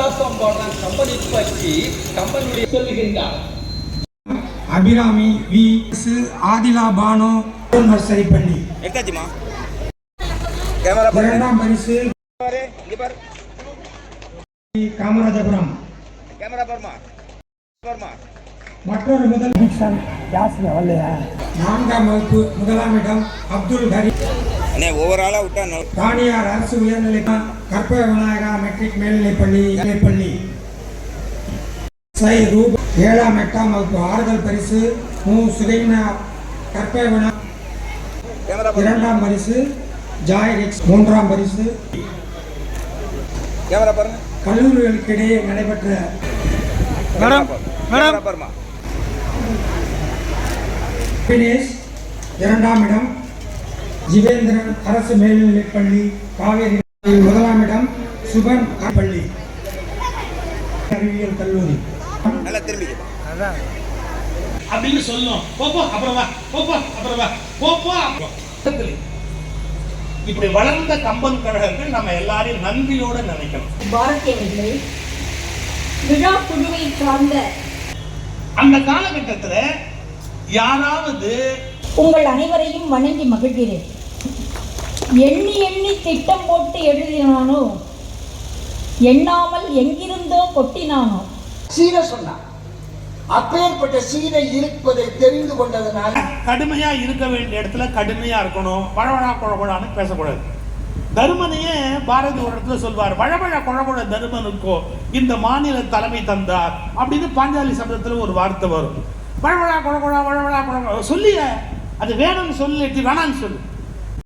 விலாசம் பாடுறான் கம்பெனி பற்றி கம்பெனியுடைய சொல்லுகின்றார். அபிராமி வி ஆதிலா பானோ நர்சரிப்பள்ளி. எடுத்தாச்சுமா கேமரா இரண்டாம் பரிசு காமராஜபுரம். Camera Burma Burma. மற்றொரு முதல் நான்காம் வகுப்பு முதலாம் இடம் அப்துல் ஹரி. ஓவராலா விட்டா தானியார் அரசு உயர்நிலை கற்ப விநாயகா மெட்ரிக் மேல்நிலைப்பள்ளி. ஏழாம் எட்டாம் வகுப்பு ஆறுதல் பரிசு மு சுகைனா கற்ப வினா. இரண்டாம் பரிசு ஜாய் எக்ஸ். மூன்றாம் பரிசு கல்லூரிகளுக்கு இடையே நடைபெற்ற இரண்டாம் இடம் ஜிவேந்திரன் அரசு மேல்நிலைப்பள்ளி காவேரி. முதலாம் இடம் சுபன் பள்ளி அறிவியல் கல்லூரி. அப்படின்னு சொல்லும். போப்போ அப்புறம் வா, போப்போ அப்புறம் வா, போப்போ அப்புறம். இப்படி வளர்ந்த கம்பன் கழகங்கள் நம்ம எல்லாரையும் நன்றியோட நினைக்கணும். பாரதியவர்களே, விழா குழுவை சார்ந்த அந்த காலகட்டத்தில் யாராவது உங்கள் அனைவரையும் வணங்கி மகிழ்கிறேன். எண்ணி எண்ணி திட்டம் போட்டு எழுதினானோ, எண்ணாமல் எங்கிருந்தோ கொட்டினானோ. சீனை சொன்னான். அப்பேற்பட்ட சீனை இருப்பதை தெரிந்து கொண்டதனால கடுமையா இருக்க வேண்டிய இடத்துல கடுமையா இருக்கணும். வழவழா குழகுழான்னு பேசக்கூடாது. தருமனையே பாரதி ஒரு இடத்துல சொல்வார், வழவழ குழகுழ தருமனுக்கோ இந்த மாநில தலைமை தந்தார் அப்படின்னு பாஞ்சாலி சபதத்துல ஒரு வார்த்தை வரும். வழவழா குழகுழா வழவழா குழகுழா சொல்லிய அது வேணும்னு சொல்லி வேணான்னு சொல்லு.